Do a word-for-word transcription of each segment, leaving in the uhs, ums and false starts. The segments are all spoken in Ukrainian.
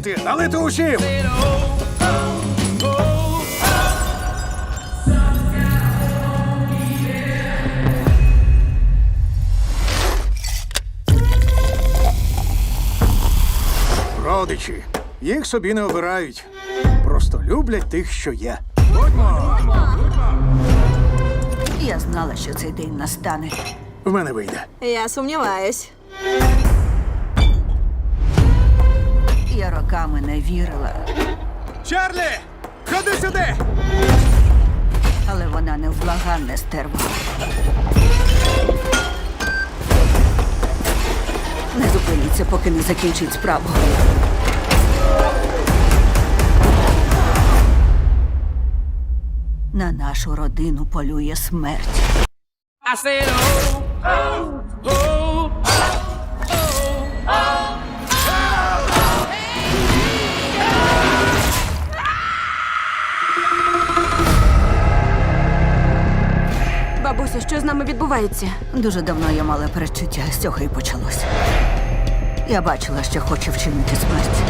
налити, налити усім! Родичі. Їх собі не обирають. Просто люблять тих, що є. Будьмо! Я знала, що цей день настане. В мене вийде. Я сумніваюсь. Я роками не вірила, Чарлі! Ходи сюди! але вона невблаганне стерва. Не зупиніться, поки не закінчить справу. На нашу родину полює смерть. I said, oh, oh, oh, Бабусю, що з нами відбувається? Дуже давно я мала передчуття, з цього і почалося. Я бачила, що хоче вчинити смерть.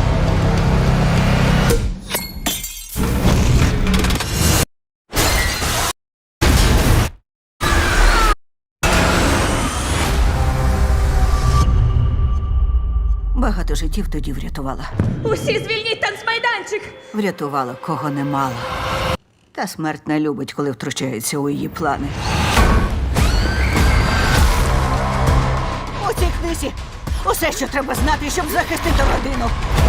Багато життів тоді врятувала. Усі звільніть танцмайданчик! Врятувала, кого не мала. Та смерть не любить, коли втручається у її плани. У цій книзі усе, що треба знати, щоб захистити родину.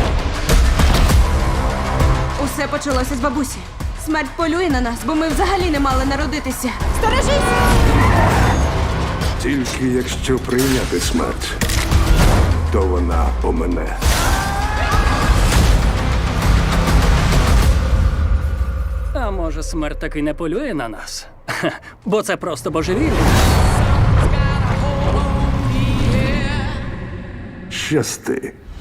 Усе почалося з бабусі. Смерть полює на нас, бо ми взагалі не мали народитися. Сторожись! Тільки якщо прийняти смерть, то вона помине. А може, смерть таки не полює на нас? Ха, бо це просто божевілля. Щасти.